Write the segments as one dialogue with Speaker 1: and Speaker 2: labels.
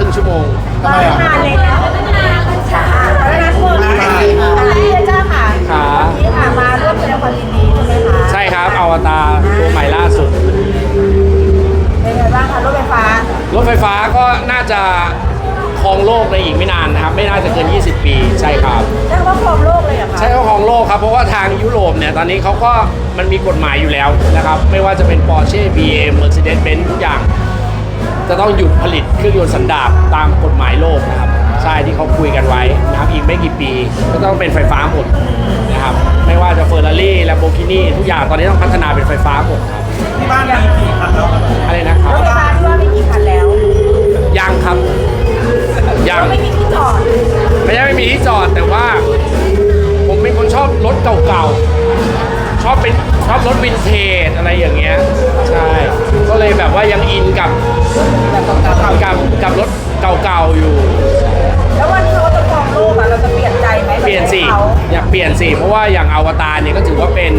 Speaker 1: ครึ่งชั่วโมง
Speaker 2: ทำไมอ่ะ
Speaker 3: นานเลยแล้วนานค่ะแล้วนะคุณพี่เจ้าค่ะ
Speaker 1: ครับ
Speaker 3: นี่ค่ะมาร่วมแสดงความยินดีใช่ไหมคะ
Speaker 1: ใช่ครับอวตารตัวใหม่ล่าสุด
Speaker 3: เป็นไงบ้างคะรถไฟฟ้าร
Speaker 1: ถไฟฟ้าก็น่าจะครองโลกในอีกไม่นานนะครับไม่น่าจะเกิน 20 ปีใช่ครับ
Speaker 3: ใช่ว่าครองโลกเลยเหรอคะ
Speaker 1: ใช่ว่าครองโลกครับเพราะว่าทางยุโรปเนี่ยตอนนี้เขาก็มันมีกฎหมายอยู่แล้วนะครับไม่ว่าจะเป็น Porsche BM Mercedes-Benz ทุกอย่าง จะต้องหยุดผลิตเครื่องยนต์สันดาปตามกฎหมายโลกนะครับใช่ที่เขาคุยกันไว้นะครับอีกไม่กี่ปีก็ต้องเป็นไฟฟ้าหมดนะครับไม่ว่าจะเฟอร์รารี่แลมโบกินีทุกอย่างตอนนี้ต้องพัฒนาเป็นไฟฟ้าหมดครับ
Speaker 2: ที่บ้านมีกี่คันแล้วครับ
Speaker 1: อะไรนะครับ
Speaker 3: รถไฟฟ้าที่ว่าไม่กี่คันแล้ว
Speaker 1: ยังครับยัง
Speaker 3: ไม่มีที่จอด
Speaker 1: ไม่ใช่ไม่มีที่จอดแต่ว่าผมเป็นคนชอบรถเก่าๆชอบรถวินเทจอะไรอย่างเงี้ยใช่ก็เลยแบบว่ายังอินกับรถเก่าๆอยู่
Speaker 3: แล้ววันที่เขาจะครองโลกอะเราจะเปลี่ยนใจไหม
Speaker 1: เปลี่ยนสิ
Speaker 3: เขา
Speaker 1: อยากเปลี่ยนสิเพราะว่าอย่างอวตารเนี่ยก็ถือว่าเป็น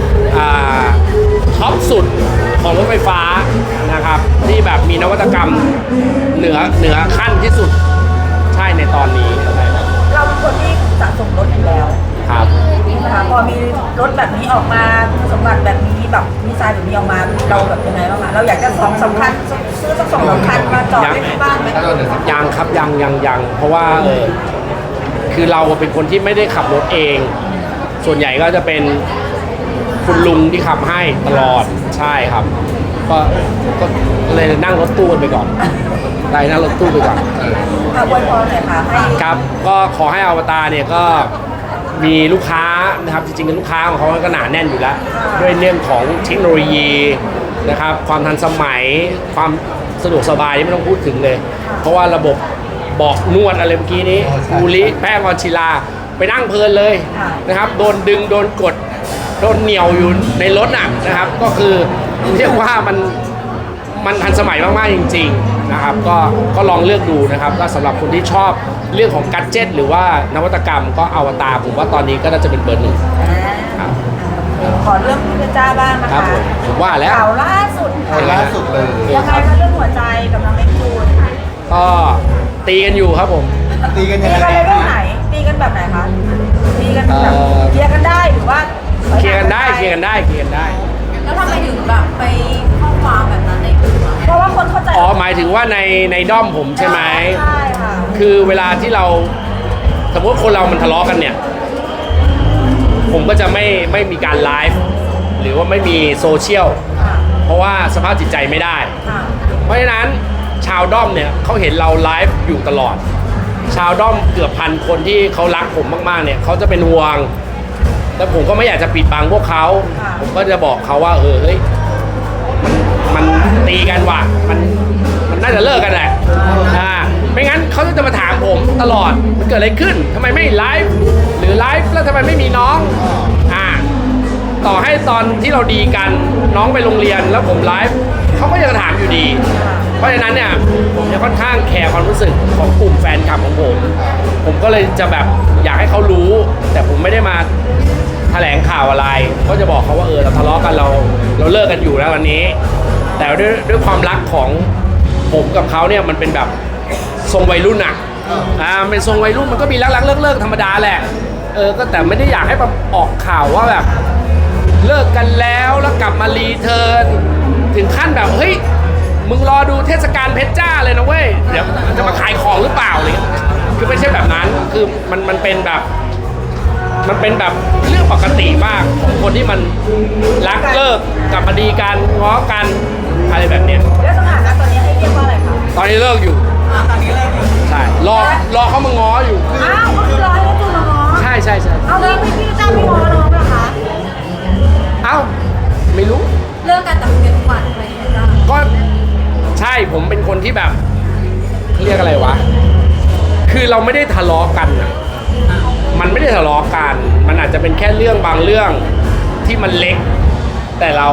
Speaker 1: ท็อปสุดของรถไฟฟ้านะครับที่แบบมีนวัตกรรมเหนือขั้นที่สุดใช่ในตอนนี้นะครับ
Speaker 3: เราเป็นคนที่สะสมรถอยู่แล้ว
Speaker 1: ครับ
Speaker 3: นะคะพอมีรถแบบนี้ออกมาคุณสมบัติแบบนี้แบบดีไซน์แบบนี้ออกมาเราแบบยังไงบ้างคะเราอยากจะสำคัญซื้อสักสองคันมาจอดไว้ที่บ้านไหม
Speaker 1: ยังครับยังเพราะว่าคือเราเป็นคนที่ไม่ได้ขับรถเอง ส่วนใหญ่ก็จะเป็นคุณลุงที่ขับให้ตลอดใช่ครับก็เลยนั่งรถตู้กันไปก่อนได้นั่งรถตู้ไปก่อน
Speaker 3: อวยพรหน่อยค่ะให้
Speaker 1: ครับก็ขอให้อวตารเนี่ยก็มีลูกค้านะครับจริงๆลูกค้าของเขาก็หนาแน่นอยู่แล้วด้วยเรื่องของเทคโนโลยีนะครับความทันสมัยความสะดวกสบายที่ไม่ต้องพูดถึงเลย เพราะว่าระบบเบาะนวดอะไรเมื่อกี้นี้บูริแป้งออนชิลาไปนั่งเพลินเลยนะครับโดนดึงโดนกดโดนเหนี่ยวอยู่ในรถนะครับก็คือเรียกว่ามันทันสมัยมากๆจริงๆนะครับก็ลองเลือกดูนะครับก็สำหรับคนที่ชอบเรื่องของกัดเจ็ตหรือว่านวัตกรรมก็อวตารผมว่าตอนนี้ก็น่าจะเป็นเบอร์หนึ่งครับ
Speaker 3: ขอเรื่องพี่เพชรจ้าบ้างนะ
Speaker 1: ครั
Speaker 3: คะ
Speaker 1: บผมว่าแล้ว
Speaker 3: ข่าวล่าสุด
Speaker 2: คนล่าสุดเลย
Speaker 3: ยังไงคะเรื่องหัวใจกับน้องเล็กจูน
Speaker 1: ก็ตีกันอยู่ครับผม
Speaker 2: ตีกัน
Speaker 3: ตี
Speaker 2: ยังไง
Speaker 3: กันในเรื่องไหนตีกันแบบไหนคะตีกันแบบเคลียร์กันได้หรือว่า
Speaker 1: เคลียร์กันได้
Speaker 4: แล้วทำไมถึงแบบไปข้อความแบบนั้นในกลุ่มอะ
Speaker 3: เพราะว่าคนเข้าใจ
Speaker 1: อ๋อหมายถึงว่าในด้อมผมใช่ไหม
Speaker 3: ใช่ค่ะ
Speaker 1: คือเวลาที่เราสมมติคนเรามันทะเลาะกันเนี่ย ผมก็จะไม่มีการไลฟ์หรือว่าไม่มีโซเชียล
Speaker 3: ค่ะ
Speaker 1: เพราะว่าสภาพจิตใจไม่ได้
Speaker 3: ค่ะ
Speaker 1: เพราะฉะนั้นชาวด้อมเนี่ยเขาเห็นเราไลฟ์อยู่ตลอด ชาวด้อมเกือบพันคนที่เขารักผมมากๆเนี่ยเขาจะเป็นห่วงแล้วผมก็ไม่อยากจะปิดบังพวกเขาผมก็จะบอกเขาว่าเฮ้ยมันตีกันว่ะมันน่าจะเลิกกันแหละไม่งั้นเขาจะมาถามผมตลอดมันเกิดอะไรขึ้นทำไมไม่ไลฟ์หรือไลฟ์แล้วทำไมไม่มีน้องต่อให้ตอนที่เราดีกันน้องไปโรงเรียนแล้วผมไลฟ์เขาก็ยังถามอยู่ดี เพราะฉะนั้นเนี่ยผมจะค่อนข้างแคร์ความรู้สึกของกลุ่มแฟนคลับของผมก็เลยจะแบบอยากให้เขารู้ แต่ผมไม่ได้มาแถลงข่าวอะไรก็จะบอกเขาว่าเราทะเลาะกันเราเลิกกันอยู่แล้ววันนี้ แต่ด้วยความรักของผมกับเขาเนี่ยมันเป็นแบบทรงวัยรุ่นเป็นทรงวัยรุ่นมันก็มีรักเลิกธรรมดาแหละก็แต่ไม่ได้อยากให้ออกข่าวว่าแบบเลิกกันแล้วกลับมารีเทิร์นถึงขั้นแบบเฮ้ยมึงรอดูเทศกาลเพชรจ้าเลยนะเว้ยเดี๋ยวจะมาขายของหรือเปล่าอะไรเงี้ยคือไม่ใช่แบบนั้นคือมันเป็นแบบเรื่องปกติมากของคนที่มันรักเลิกกลับมาดีกันง้อกันอะไรแบบเนี้ย
Speaker 3: แล้วสถานะตอนนี้ให้เรียกว่าอะไรคะ
Speaker 1: ตอนนี้เลิกอยู่
Speaker 3: ตอนนี้เลย
Speaker 1: ใช่รอเขามาง้ออยู่
Speaker 3: อ้าวก็คือรอให้เล็กจูนมาง้อ
Speaker 1: ใช่
Speaker 3: เอางี้พี่จ้าไม่ง้อน้องเหรอคะ
Speaker 1: เอ้าไม่รู้
Speaker 4: เลิกกันแต่คุยกันทุกวันอะไรอย่างเงี้ยจ้ะ
Speaker 1: ก็ใช่ผมเป็นคนที่แบบเรียกอะไรวะคือเราไม่ได้ทะเลาะกันมันไม่ได้ทะเลาะกันมันอาจจะเป็นแค่เรื่องบางเรื่องที่มันเล็ก แต่เรา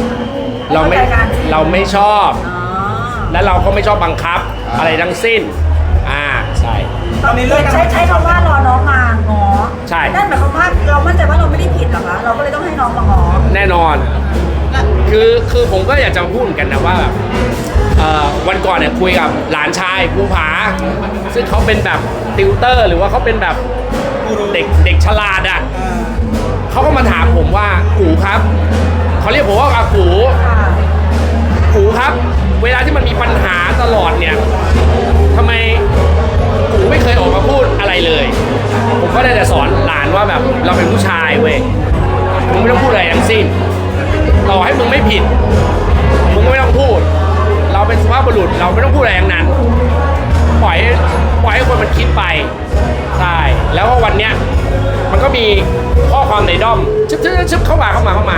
Speaker 1: ไม่ชอบ
Speaker 3: อ๋อ
Speaker 1: และเราก็ไม่ชอบบังคับอะไรทั้งสิ้นใช่
Speaker 3: ตอนนี้ใช้คำว่ารอน้องมาง้อ
Speaker 1: ใช่
Speaker 3: นั่นหมายความว่าเรามั่นใจว่าเราไม่ได้ผิดเหรอคะเราก็เลยต้องให้น้องมาง้อ
Speaker 1: แน่นอนคือผมก็อยากจะพูดเหมือนกันนะว่าแบบวันก่อนก่อนเนี่ยคุยกับหลานชายภูผาซึ่งเขาเป็นแบบติวเตอร์ หรือว่าเขาเป็นแบบเด็กฉลาดอ่ะเขาก็มาถามผมว่ากูครับเขาเรียกผมว่าอากู กูครับ เวลาที่มันมีปัญหาตลอดเนี่ยทำไมกูไม่เคยออกมาพูดอะไรเลย ผมก็ได้แต่สอนหลานว่าแบบเราเป็นผู้ชายเว้ยมึงไม่ต้องพูดอะไรทั้งสิ้นต่อให้มึงไม่ผิดมึงก็ไม่ต้องพูด เราเป็นสุภาพบุรุษเราไม่ต้องพูดอะไรทั้งนั้นปล่อยให้คนมันคิดไปใช่แล้วก็วันเนี้ยมันก็มีข้อความในด้อมชึบเข้ามา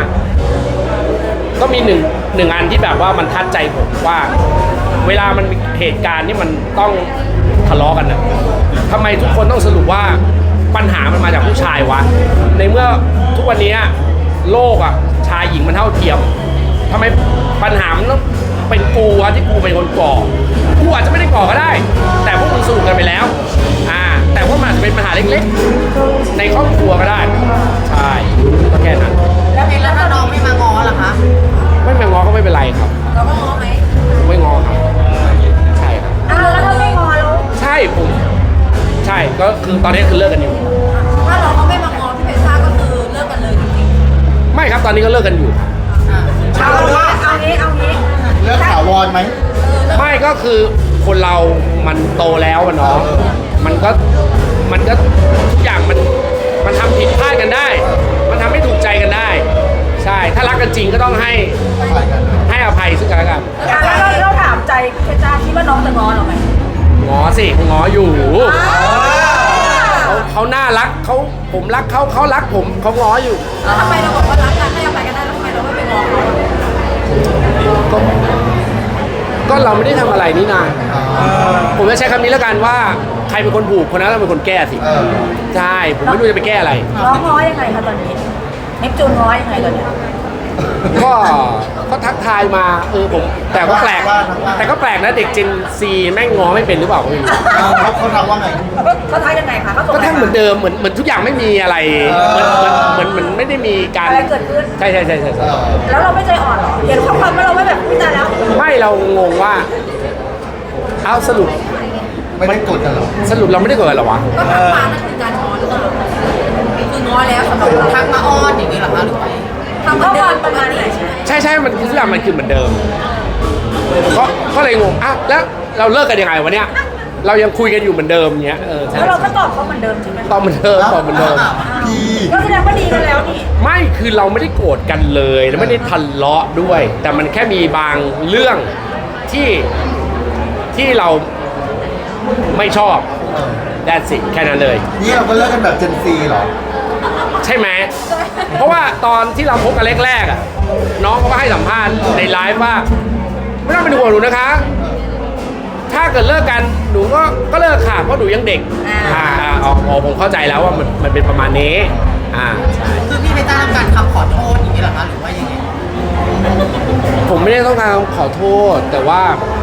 Speaker 1: ก็มีหนึ่งอันที่แบบว่ามันทัดใจผมว่าเวลามันมีเหตุการณ์ที่มันต้องทะเลาะกันนะทำไมทุกคนต้องสรุปว่าปัญหามันมาจากผู้ชายวะในเมื่อทุกวันนี้โลกอ่ะชายหญิงมันเท่าเทียมทำไมปัญหามันต้องเป็นกูวะที่กูเป็นคนก่อกูอาจจะไม่ได้ก่อก็ได้ แต่พวกมึงสรุปกันไปแล้วแต่ว่ามันอาจจะเป็นปัญหาเล็กๆในครอบครัวก็ได้ใช่ก็แค่นั้น
Speaker 4: แล้วถ้าน้องไม่มาง้อล่ะคะ
Speaker 1: ไม่มางอก็ไม่เป็นไรครับ
Speaker 4: เราก็ง้อไหม
Speaker 1: ไม่งอครับใช่ครับ
Speaker 3: แล้วถ้าไม่งอแล้ว
Speaker 1: ใช่ผมใช่ก็คือตอนนี้คือเลิกกันอยู่
Speaker 4: ถ้าเราก็ไม่มาง้อพี่เพชรซ่าก็คือเลิกกันเลยจริง
Speaker 1: ไม่ครับตอนนี้ก็เลิกกันอยู่
Speaker 4: ๆ
Speaker 3: เอางี้
Speaker 2: เรื่องถาวรไหม
Speaker 1: ไม่ก็คือคนเรามันโตแล้วอะเนาะมันก็ทุกอย่างมันทำผิดพลาดกันได้ มันทำให้ถูกใจกันได้ ใช่ถ้ารักกันจริงก็ต้องให้อภัยซึ่งกันและกัน
Speaker 3: แล้วเราถามใจเพชรจ้าคิดว่าน้องจะงอเราไหม
Speaker 1: ง้อสิง้ออยู่เขาน่ารักผมรักเขารักผมเขาง้ออยู่
Speaker 4: แล้วทำไมเราบอกว่ารักกันให้อภัยกันได้แล้วทำไมเราไม่ไปง้อเขาอะ
Speaker 1: ก็เราไม่ได้ทำอะไรนี่นาผมจะใช้คำนี้แล้วกันว่าใครเป็นคนผูกคนนั้นต้องเป็นคนแก้สิใช่ผมไม่รู้จะไปแก้อะไร
Speaker 3: น้องง้อยังไงคะตอนนี้เนปจูนง้อยังไงตอนนี้
Speaker 1: ก็ทักทายมาผมแต่ก็แปลกนะเด็กเจนซีแม่งง้อไม่เป็นหรือเปล่าไม่รู้
Speaker 2: เขาทำว่าไง
Speaker 3: เขาทักยังไงคะเขาส่ง
Speaker 1: ก็แท่งเหมือนเดิมเหมือนทุกอย่างไม่มีอะไรเหมือนไม่ได้มีการ
Speaker 3: อะไรเกิดขึ้น
Speaker 1: ใช่
Speaker 3: แล้วเราไม่ใจอ่อนเหรอเห็นข้อความว่าเราไม่แบบพูดแต่แล้ว
Speaker 1: ไม่เรางงว่าเอาสรุป
Speaker 2: ไม่ได้กดกันหรอ
Speaker 1: สรุปเราไม่ได้เกิดอะไรหรอวะ
Speaker 4: ก็ทักมานั่นคือการง้อหรือเปล่าคือง้อแล้วสำหรับเราทักมาอ้อนอย่างนี้เหรอคะหรือไงทำเหมือนเดิมประมาณนี้ใช่ไหม
Speaker 1: ใช่มันคือทุกอย่างมันคือเหมือนเดิมก็เลยงงแล้วเราเลิกกันยังไงวะเนี่ยเรายังคุยกันอยู่เหมือนเดิมเงี้ยใช่
Speaker 3: แล้วเราก็ตอบเขาเหมือนเดิมใช่ไหม
Speaker 1: ตอบเหมือนเดิม
Speaker 2: พี่
Speaker 3: ก็แสดงว่าดีกันแล้วนี่
Speaker 1: ไม่คือเราไม่ได้โกรธกันเลยแล้วไม่ได้ทะเลาะด้วย แต่มันแค่มีบางเรื่องที่เราไม่ชอบแดนสิแค่นั้นเลย
Speaker 2: นี่เราก็เลิกกันแบบเจนซีเหรอ
Speaker 1: ใช่ไหมเพราะว่าตอนที่เราพบกันแรกๆอ่ะน้องเขาก็ให้สัมภาษณ์ในไลฟ์ว่าไม่ต้องเป็นห่วงหนูนะคะ ถ้าเกิดเลิกกันหนูก็เลิกค่ะเพราะหนูยังเด็กผมเข้าใจแล้วว่ามันเป็นประมาณนี้ใช่
Speaker 4: คือพี่เพชรจ้าต้องการคำขอโทษอย่างนี้เหรอคะหรือว่ายังไง
Speaker 1: ผมไม่ได้ต้องการขอโทษแต่ว่า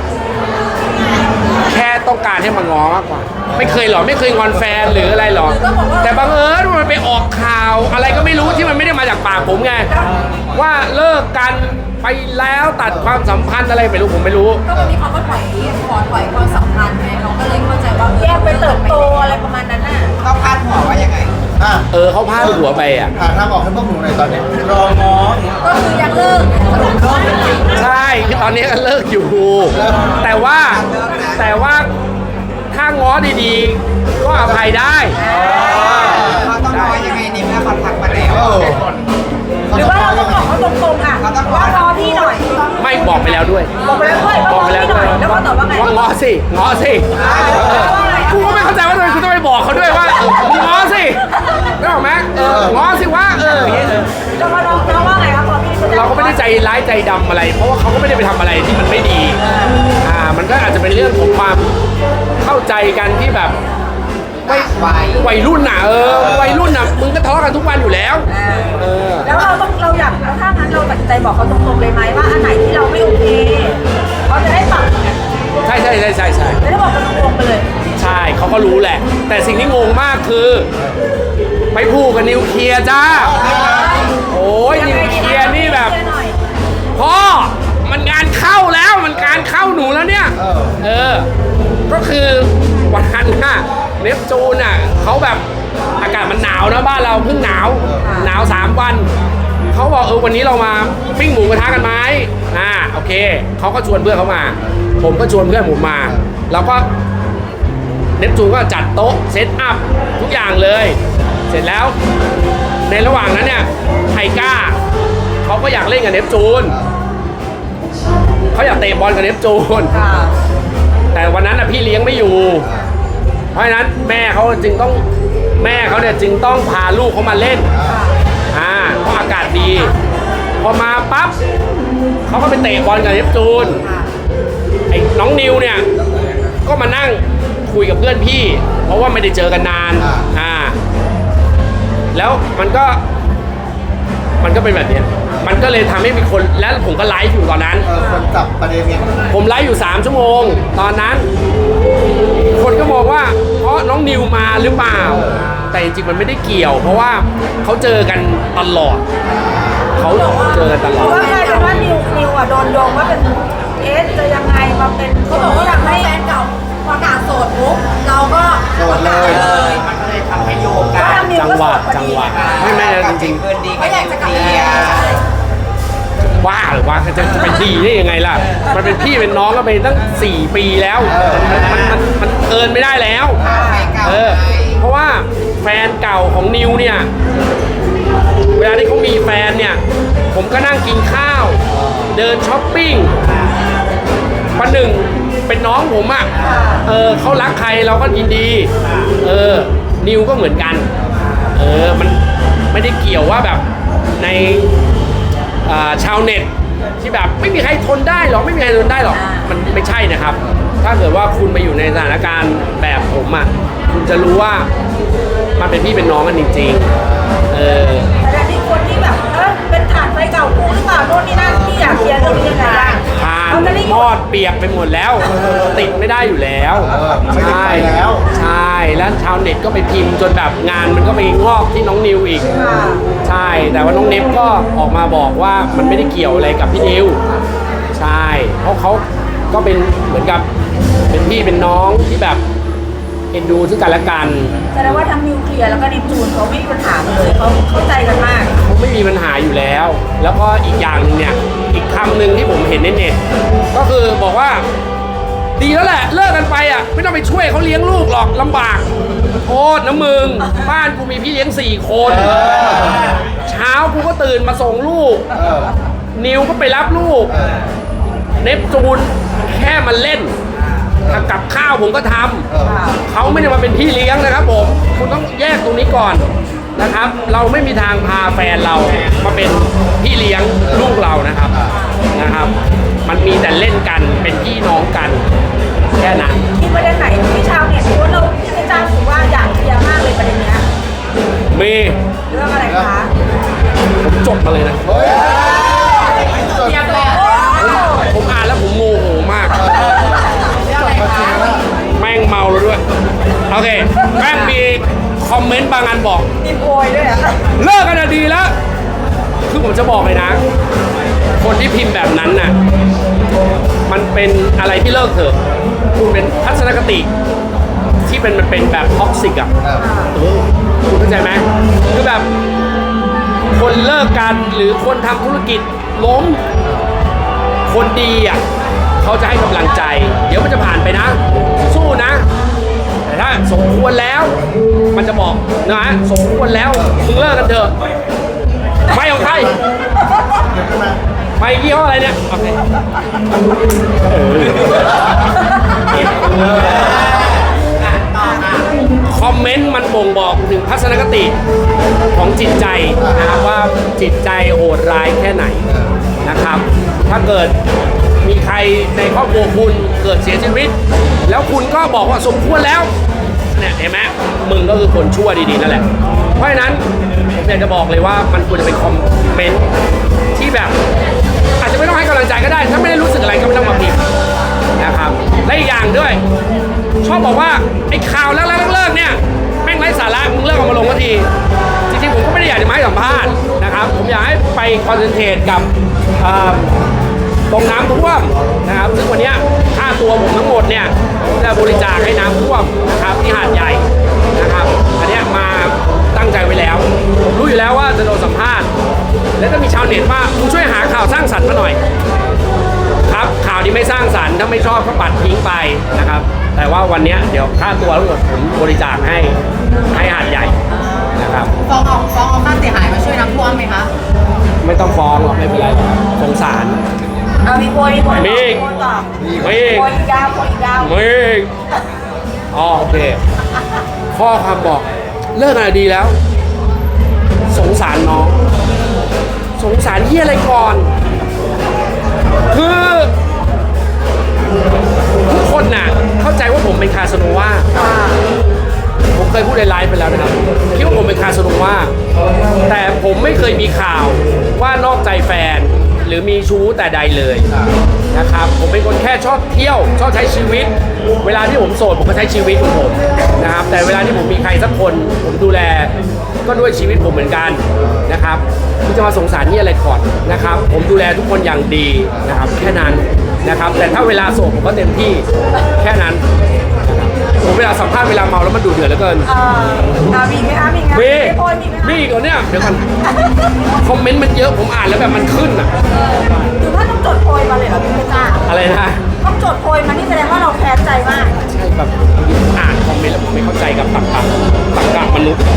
Speaker 1: แค่ต้องการให้มาง้อมากกว่า ไม่เคยหรอไม่เคยงอนแฟนหรืออะไรหรอแต่บังเอิญมันไปออกข่าวอะไรก็ไม่รู้ที่มันไม่ได้มาจากปากผมไงว่าเลิกกันไปแล้วตัดความสัมพันธ์อะไรไม่รู้ผมไม่รู้
Speaker 4: ก็มันมีคำว่าถอยความสัมพันธ์ไงเราก็เลยเข้าใจว่า
Speaker 3: แยกไปเติบโตอะไรประมาณนั้นน่ะ
Speaker 4: เขาพาดหัวว่ายังไง
Speaker 1: เขาพาดหัวไปอ่ะ
Speaker 2: หาทางออกให้พวกหนูหน่อยตอนนี้รอง้อ
Speaker 4: ก็คือยังเลิกสรุปเลิกจริง
Speaker 1: ใช่คือตอนนี้ก็เลิกอยู่ แต่ว่าถ้าง้อดีๆ ก็อภัยได้
Speaker 4: เขาต้องง้อยังไงในเมื่อเขาทักมาแล้ว
Speaker 3: หรือว่าเราต้องบอกเขาตรงๆอ่ะว่ารอพี่หน่อย
Speaker 1: ไม่บอกไปแล้วด้วย
Speaker 3: บอกไปแล้วด้วย
Speaker 1: บอกไปแล้วด้วย
Speaker 3: แล้วเขาตอบว่าไง
Speaker 1: ว่าง้อสิกูก็ไม่เข้าใจว่าทำไมคุณต้องไปบอกเขาด้วยว่ามึงง้อสิได้หรอกไหมง้อสิว่าอย่างเงี้ย
Speaker 3: แล้วน้องว่าไงครับพอพี่
Speaker 1: เราก็ไม่ได้ใจร้ายใจดำอะไร เพราะว่าเขาก็ไม่ได้ไปทำอะไรที่มันไม่ดี มันก็อาจจะเป็นเรื่องของความเข้าใจกันที่แบบวัยรุ่นน่ะวัยรุ่นน่ะมึงก็ทะเลาะกันทุกวันอยู่แล้ว
Speaker 3: แล้วเราอยากแล้วถ้างั้นเราตัดใจบอกเขาตรงๆเลยไหมว่าอันไหนที่เราไม่โอเคเขาจะได้ปรับไง
Speaker 1: ใช่
Speaker 3: ไม่ได้บอกกันตรงๆไปเลย
Speaker 1: ใช่เขาก็รู้แหละ แต่สิ่งที่งงมากคือไปพูดกับนิวเคลียร์จ้าโอ้ยนิวเคลียร์นี่แบบพ่อมันงานเข้าแล้วมันการเข้าหนูแล้วเนี่ย เออ ก็คือวันนั้นน่ะเนปจูนน่ะเขาแบบอากาศมันหนาวนะบ้านเราเพิ่งหนาว หนาว3 วันเขาบอกวันนี้เรามาปิ้งหมูกระทะกันไหมโอเคเขาก็ชวนเพื่อนเขามา ผมก็ชวนเพื่อนผมมาแล้วก็เนปจูนก็จัดโต๊ะเซตอัพทุกอย่างเลย เสร็จแล้วในระหว่างนั้นเนี่ยไทก้าเขาก็อยากเล่นกับเนปจูนเขาอยากเตะบอลกับเนปจูน แต่วันนั้นพี่เลี้ยงไม่อยู่ เพราะฉะนั้นแม่เขาจึงต้องพาลูกเขามาเล่นเพราะอากาศดี พอมาปั๊บเขาก็ไปเตะบอลกับเนปจูนไอ้น้องนิวเนี่ยก็มานั่งคุยกับเพื่อนพี่ เพราะว่าไม่ได้เจอกันนานแล้วมันก็เป็นแบบนี้มันก็เลยทำให้มีคนแล้วผมก็ไลฟ์อยู่ตอนนั้น
Speaker 2: คนจับประเด็นเนี้ย
Speaker 1: ผมไลฟ์อยู่3 ชั่วโมงตอนนั้นคนก็มองว่าเพราะน้องนิวมาหรือเปล่าแต่จริงๆมันไม่ได้เกี่ยว เพราะว่าเขาเจอกันตลอดเขาเจอกันตลอด
Speaker 3: เพราะว่าใครแต่ว่านิวโดนโยงว่าเป็นจะยังไงมาเป็น
Speaker 4: เขาบอกว่าอยากให้แฟนเก่าประกาศโสดปุ๊บเราก็ประกาศเลย
Speaker 5: มันก็เลยทำให้โยงกัน
Speaker 1: จังหวะไม่จริง
Speaker 5: เพื่อนดี
Speaker 4: ก็อยากจะกลับ
Speaker 5: เดี
Speaker 4: มา
Speaker 1: ๆว่าหรือว่าจะไปดีได้ยังไงล่ะมันเป็นพี่เป็นน้องกันไปตั้ง4 ปีแล้วมันเกินไม่ได้แล้วเพราะว่าแฟนเก่าของนิวเนี่ยเวลาที่เขามีแฟนเนี่ยผมก็นั่งกินข้าวเดินช้อปปิ้งวันหนึ่งเป็นน้องผมอ่ะเขารักใครเราก็ยินดีนิวก็เหมือนกันมันไม่ได้เกี่ยวว่าแบบในชาวเน็ตที่แบบไม่มีใครทนได้หรอกไม่มีใครทนได้หรอกมันไม่ใช่นะครับถ้าเกิดว่าคุณไปอยู่ในสถานการณ์แบบผมอ่ะคุณจะรู้ว่ามันเป็นพี่เป็นน้องกันจริงๆ
Speaker 3: แต่มีคนที่แบบเป็นฐานไฟเก่ากูหรือเปล่าโน่นนี่นั่นที่อยากเคลียร์เรื่องนี้ยังไงบ้าง
Speaker 1: ผ่านมอดเปียกไปหมดแล้วติดไม่ได้อยู่แล้วใช่แล้วชาวเน็ตก็ไปพิมพ์จนแบบงานมันก็ไปงอกที่น้องนิวอีกใช่แต่ว่าน้องเนฟก็ออกมาบอกว่ามันไม่ได้เกี่ยวอะไรกับพี่นิวใช่เพราะเขาก็เป็นเหมือนกับเป็นพี่เป็นน้องที่แบบเอ็นดูซึ่งกันและกัน
Speaker 3: แสดงว่าทั้งนิวเคลียร์แล้วก็นิวจูนเขาไม่มีปัญหาเลยเขาเข้าใจกันมาก
Speaker 1: เขาไม่มีปัญหาอยู่แล้ว แล้วก็อีกอย่างนึงเนี่ยอีกคำหนึ่งที่ผมเห็นในเน็ตก็คือบอกว่าดีแล้วแหละเลิกกันไปอ่ะไม่ต้องไปช่วยเขาเลี้ยงลูกหรอกลำบากโทษนะมึงบ้านกูมีพี่เลี้ยง4 คนเช้ากูก็ตื่นมาส่งลูกนิวก็ไปรับลูกเนปจูนแค่มาเล่นกับข้าวผมก็ทำเขาไม่ได้มาเป็นพี่เลี้ยงนะครับผมคุณต้องแยกตรงนี้ก่อนนะครับเราไม่มีทางพาแฟนเรามาเป็นพี่เลี้ยงลูกเรานะครับมันมีแต่เล่นกันเป็นพี่น้องกันแค่นั้น
Speaker 3: มีประเด็นไหนที่ชาวเน็ตว่าเราที่อาจารย์ถือว่าอยากเคลียร์มากเลยประเด็นนี้
Speaker 1: มี
Speaker 3: เรื่องอะไรคะ
Speaker 1: ผมจดมาเลยนะ
Speaker 4: เตรียมเลย
Speaker 1: ผมอ่านแล้วผมโมโหมากแม่งเมาแล้วด้วยโอเคแม่งมีคอมเมนต์บางอันบอก
Speaker 3: มีโวยด้วย
Speaker 1: เลิกกันดีแล้วคือผมจะบอกเลยนะคนที่พิมพ์แบบนั้นน่ะมันเป็นอะไรที่เลิกเถอะคุณเป็นทัศนคติที่มันเป็นแบบท็อกซิกอ่ะคุณเข้าใจไหมคือแบบคนเลิกกันหรือคนทำธุรกิจล้มคนดีอ่ะเขาจะให้กำลังใจเดี๋ยวมันจะผ่านไปนะสู้นะแต่ถ้าสมควรแล้วมันจะบอกนะสมควรแล้วมึงเลิกกันเถอะไม่ของใครไม่ยี่ห้ออะไรเนี่ยโอเคคอมเมนต์มันบ่งบอกถึงทัศนคติของจิตใจนะครับว่าจิตใจโหดร้ายแค่ไหนนะครับถ้าเกิดมีใครในครอบครัวคุณเกิดเสียชีวิตแล้วคุณก็บอกว่าสมควรแล้วเนี่ยเห็นไหมมึงก็คือคนชั่วดีๆนั่นแหละเพราะฉะนั้นผมอยากจะบอกเลยว่ามันควรจะเป็นคอมเมนต์ที่แบบอาจจะไม่ต้องให้กำลังใจก็ได้ถ้าไม่ได้รู้สึกอะไรก็ไม่ต้องมาพิมพ์นะครับและอีกอย่างด้วยชอบบอกว่าไอ้ข่าวเลิกเนี่ยแม่งไร้สาระมึงเลิกเอามาลงทันทีจริงๆผมก็ไม่ได้อยากจะมาให้สัมภาษณ์นะครับผมอยากให้ไปคอนเซนเทรตกับตรงน้ำท่วมนะครับซึ่งวันเนี้ยค่าตัวผมทั้งหมดเนี่ยผมจะบริจาคให้น้ำท่วมนะครับที่หาดใหญ่นะครับอันเนี้ยมาตั้งใจไว้แล้วผมรู้อยู่แล้วว่าจะโดนสัมภาษณ์แล้วก็มีชาวเน็ตว่าคุณช่วยหาข่าวสร้างสรรค์มาหน่อยครับข่าวนี้ไม่สร้างสรรค์ถ้าไม่ชอบก็ปัดทิ้งไปนะครับแต่ว่าวันเนี้ยเดี๋ยวค่าตัวทั้งหมดผมบริจาคให้หาดใหญ่นะครับ
Speaker 4: ฟ้องเอาค่าเสียหายมาช่วยน้ำท่วมไหมคะ
Speaker 1: ไม่ต้องฟ้องหรอกไม่เป็นไรหรอกสงสาร
Speaker 3: เอามีโพย
Speaker 1: มี
Speaker 3: โพยต่อ
Speaker 1: มี
Speaker 3: โพยอีกยาวโพยอีกยาว
Speaker 1: มีอ๋อโอเคข้อความบอกเลิกอะไรดีแล้ว สงสารน้อง สงสารที่อะไรก่อน คือทุกคนน่ะเข้าใจว่าผมเป็นคาสโนวาผมเคยพูดในไลฟ์ไปแล้วนะครับคิดว่าผมเป็นคาสโนวาแต่ผมไม่เคยมีข่าวว่านอกใจแฟนหรือมีชู้แต่ใดเลยนะครับผมเป็นคนแค่ชอบเที่ยวชอบใช้ชีวิต เวลาที่ผมโสดผมก็ใช้ชีวิตของผมนะครับแต่เวลาที่ผมมีใครสักคนผมดูแลก็ด้วยชีวิตผมเหมือนกันนะครับที่จะมาสงสารนี่อะไรก่อนนะครับผมดูแลทุกคนอย่างดีนะครับแค่นั้นนะครับแต่ถ้าเวลาโสดผมก็เต็มที่แค่นั้นผมเวลาสัมภาษณ์เวลาเมาแล้วมันดูเดือดเหลือเกิน
Speaker 3: มีไหมคะมีไหม
Speaker 1: มี
Speaker 3: โพยมีไหมคะ
Speaker 1: มีก่อนเนี่ยเดี๋ยวก่อนคอมเมนต์มันเยอะผมอ่านแล้วแบบมันขึ้นอ่ะ
Speaker 3: หรือว่าต้องจดโพยมาเลยเหรอพี่เพชรจ้า
Speaker 1: อะไรนะ
Speaker 3: ต้องจดโพยมานี่แสดงว่าเราแค้นใจมาก
Speaker 1: ใช่แบบอ่านคอมเมนต์แล้วผมไม่เข้าใจกับตรรกะมนุษย์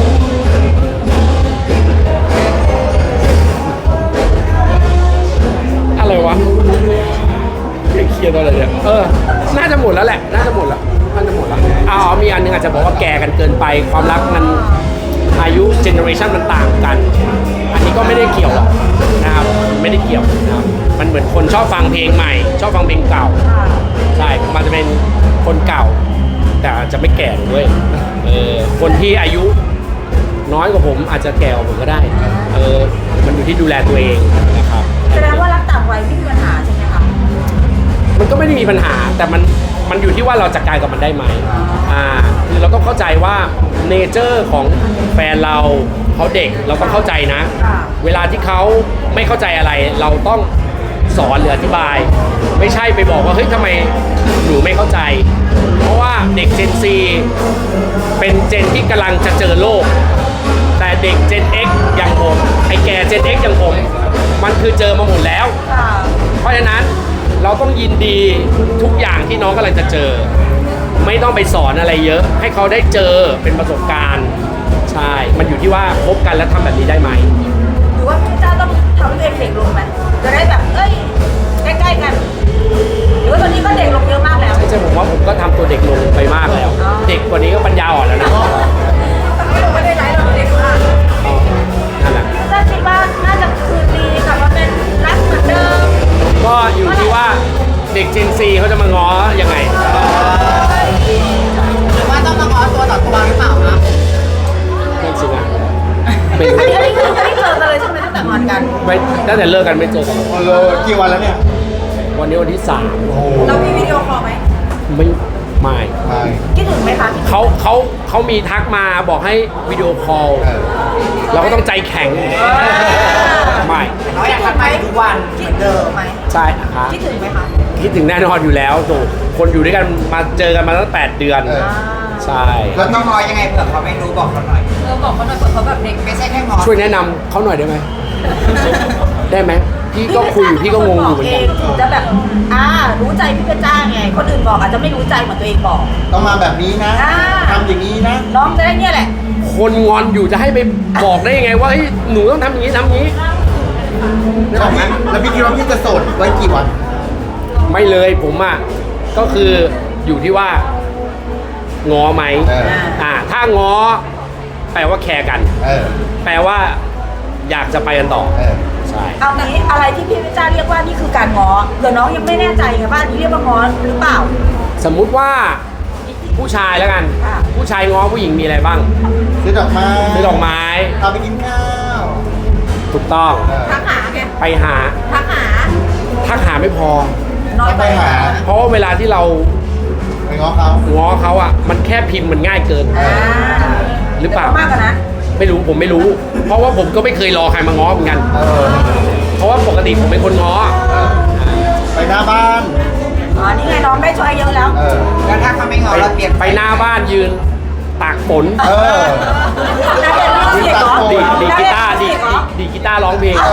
Speaker 1: อะไรวะเครียดอะไรเนี่ยน่าจะหมดแล้วแหละน่าจะหมดแล้วอ๋อมีอันนึงอาจจะบอกว่าแก่กันเกินไปความรักมันอายุเจเนอเรชันมันต่างกัน อันนี้ก็ไม่ได้เกี่ยวหรอกนะครับไม่ได้เกี่ยวนะครับมันเหมือนคนชอบฟังเพลงใหม่ ชอบฟังเพลงเก่าใช่มันจะเป็นคนเก่า แต่อาจจะไม่แก่ด้วยคนที่อายุน้อยกว่าผมอาจจะแก่กว่าผมก็ได้มันอยู่ที่ดูแลตัวเองนะครับ
Speaker 3: แสดงว่ารักต่างวัยไม่มีปัญหาใช่ไหมคะ
Speaker 1: มันก็ไม่ได้มีปัญหาแต่มันอยู่ที่ว่าเราจัดการกับมันได้ไหมคือเราต้องเข้าใจว่าเนเจอร์ของแฟนเราเขาเด็กเราต้องเข้าใจนะ เวลาที่เขาไม่เข้าใจอะไร เราต้องสอนหรืออธิบาย ไม่ใช่ไปบอกว่าเฮ้ยทำไมหนูไม่เข้าใจ เพราะว่าเด็ก Gen Z เป็นเจนที่กำลังจะเจอโลก แต่เด็ก Gen X อย่างผมไอ้แก่ Gen X อย่างผมมันคือเจอมาหมดแล้ว เพราะฉะนั้นเราต้องยินดีทุกอย่างที่น้องกำลังจะเจอ ไม่ต้องไปสอนอะไรเยอะ ให้เขาได้เจอเป็นประสบการณ์ใช่มันอยู่ที่ว่าคบกันแล้วทำแบบนี้ได้ไหม
Speaker 3: หรือว่าพี่เจ้าต้องทำให้ตัวเองเด็กลงไหมจะได้แบบใกล้ๆกันหรือว่าตอนนี้ก็เด็กลงเยอะมากแล้ว
Speaker 1: ใช่ผมว่าผมก็ทำตัวเด็กลงไปมากแล้ว เด็กกว่านี้ก็ปัญญาอ่อนแล้วนะ
Speaker 3: ไม่ได้ไลฟ์เราเด็กมาก
Speaker 1: นั่นแหละ
Speaker 3: พี่เจ้าคิดว่าน่าจะคืนดีกลับมาเป็นรักเหมือนเดิม
Speaker 1: ก็อยู่ที่ว่าเด็ก Gen Z เขาจะมาง้อยังไง
Speaker 4: หรือว่าต้องมาง้อตัวต่อตัวหรือเปล่าคะ
Speaker 1: นั่นสินะเป็น
Speaker 3: อันนี้คือไม่ได้เจอกันเลยใช่ไหมตั้งแต่งอนกัน
Speaker 1: ไม่ตั้งแต่เลิกกันไม่เจอกัน
Speaker 2: กี่วันแล้วเนี่ย
Speaker 1: วันนี้วันที่
Speaker 2: โอ้โห
Speaker 3: เรามีวิดีโอคอลไหม
Speaker 1: 3ไม่
Speaker 2: ไม่
Speaker 3: คิดถึงไหมคะ
Speaker 1: เขามีทักมาบอกให้วิดีโอคอล เราก็ต้องใจแข็งไม่
Speaker 3: เราอยากทำไหมทุกวันเหมือนเดิมไหม
Speaker 1: ใช่ครับ
Speaker 3: คิดถึงไหมคะ
Speaker 1: คิดถึงแน่นอนอยู่แล้วถูกคนอยู่ด้วยกันมาเจอกันมาตั้ง8 เดือน ใช่
Speaker 2: แล้วต้องง้อยังไงเผื่อเขาไม่รู้บอกเขาหน่อย
Speaker 4: บอกเขาหน่อยเผื่อเขาแบบเด็กไม่ใช่แค่ง้อ
Speaker 1: ช่วยแนะนำเขาหน่อยได้ไหม ได้ไหมพี่ก็คุยอยู่พี่ก็งงอยู่เหมือนกัน
Speaker 3: ถึงจะแบบรู้ใจพี่เพชรจ้าไงคนอื่นบอกอาจจะไม่รู้ใจเหมือนตัวเองบอก
Speaker 2: ต้องมาแบบนี้นะ
Speaker 3: อ่า
Speaker 2: ทำอย่างนี้นะ
Speaker 3: น้องจะได้เนี่ยแหละ
Speaker 1: คนงอนอยู่จะให้ไปบอกได้ยังไงว่าเฮ้ยหนูต้องทำอย่างนี้ทำอย่างนี้
Speaker 2: แล้วพี่คิดว่าพี่จะโสดไว้กี่วัน
Speaker 1: ไม่เลยผมอ่ะก็คืออยู่ที่ว่าง้อไหมถ้าง้อแปลว่าแคร์กัน แปลว่าอยากจะไปกันต่อใช่
Speaker 3: เอางี้อะไรที่พี่เพชรจ้าเรียกว่านี่คือการง้อเดี๋ยวน้องยังไม่แน่ใจไงว่าอันนี้เรียกว่าง้อหรือเปล่า
Speaker 1: สมมุติว่าผู้ชายแล้วกัน
Speaker 3: ค่ะ
Speaker 1: ผู้ชายง้อผู้หญิงมีอะไรบ้าง
Speaker 2: ซื้อดอกไม้
Speaker 1: ซื้อดอกไม้
Speaker 2: พาไปกินข้าว
Speaker 1: ถูกต้อง
Speaker 3: ทักหาไง
Speaker 1: ไปหา
Speaker 3: ทักหา
Speaker 1: ทักหาไม่พอ
Speaker 3: น้อยไป
Speaker 2: ไปหา
Speaker 1: เพราะว่าเวลาที่เรา
Speaker 2: ไปง้อเขา
Speaker 1: ง้อเขาอ่ะมันแค่พิมพ์มันง่ายเกิน หรือเปล่า
Speaker 3: มากกว่านั้น
Speaker 1: ไม่รู้ผมไม่รู้ เพราะว่าผมก็ไม่เคยรอใครมาง้อเหมือนกัน เพราะว่าปกติผมเป็นคนง้อ
Speaker 2: หน้าบ้าน
Speaker 3: อ๋อนี่ไงน้องได้ช่วยเยอะแล้ว
Speaker 5: แล้วถ้าเขาไม่งอเราเปลี่ยน
Speaker 1: ไปหน้าบ้านยืนตากฝน
Speaker 2: เออ
Speaker 3: นักเรียนมิวสิกเหรอ
Speaker 1: ดีกีตาร์ดีกีตาร์ร้องเพลง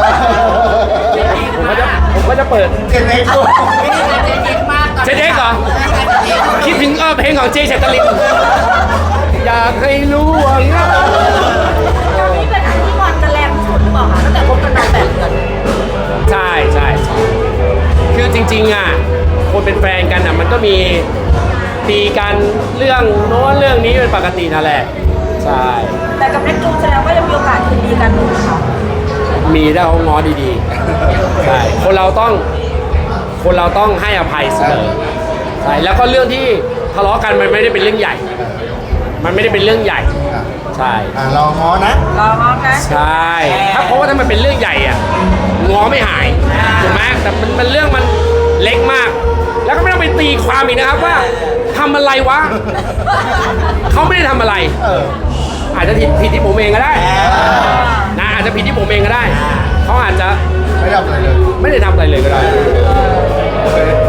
Speaker 1: ผมก็จะเปิด
Speaker 2: เก่งไหมลูก
Speaker 4: ไม่ได้การเจ๊เจ๊มากตอน
Speaker 1: เจ๊เด็กเหรอ คิดถึงเพลงของเจเฉตลินอยากให้รู้ว่าเหงา
Speaker 3: ตอนนี้เป็นอันที่งอนกันแรงที่สุดหรือเปล่าคะตั้งแต่คบกันมา8 เดือน
Speaker 1: ใช่ใช่ใช่คือจริงๆอ่ะคนเป็นแฟนกันอ่ะมันก็มีตีกันเรื่องโน้นเรื่องนี้เป็นปกตินั่นแหละใช่
Speaker 3: แต่กับเน็กจูนแสดงว่ายังมีโอกาสคืนดีกันอยู่นะคะ
Speaker 1: มีได้เขาง้อดีๆใช่คนเราต้องให้อภัยเสมอใช่แล้วก็เรื่องที่ทะเลาะกันมันไม่ได้เป็นเรื่องใหญ่ มันไม่ได้เป็นเรื่องใหญ่ใช่
Speaker 2: รอง้อนะ
Speaker 3: รอง้องนะ
Speaker 1: ใช่ถ้าเพราะว่าถ้ามันเป็นเรื่องใหญ่อ่ะง้อไม่หายถูกไหมแต่มันเรื่องมันเล็กมาก แล้วก็ไม่ต้องไปตีความอีกนะครับว่าทำอะไรวะเขาไม่ได้ทำอะไร
Speaker 2: เออ
Speaker 1: อาจจะผิดที่ผมเองก็ได้นะอาจจะผิดที่ผมเองก็ได้เขาอาจจะ
Speaker 2: ไม่ทำอะไรเลย
Speaker 1: ไม่ได้ทำอะไรเลยก็ได้
Speaker 2: โอเค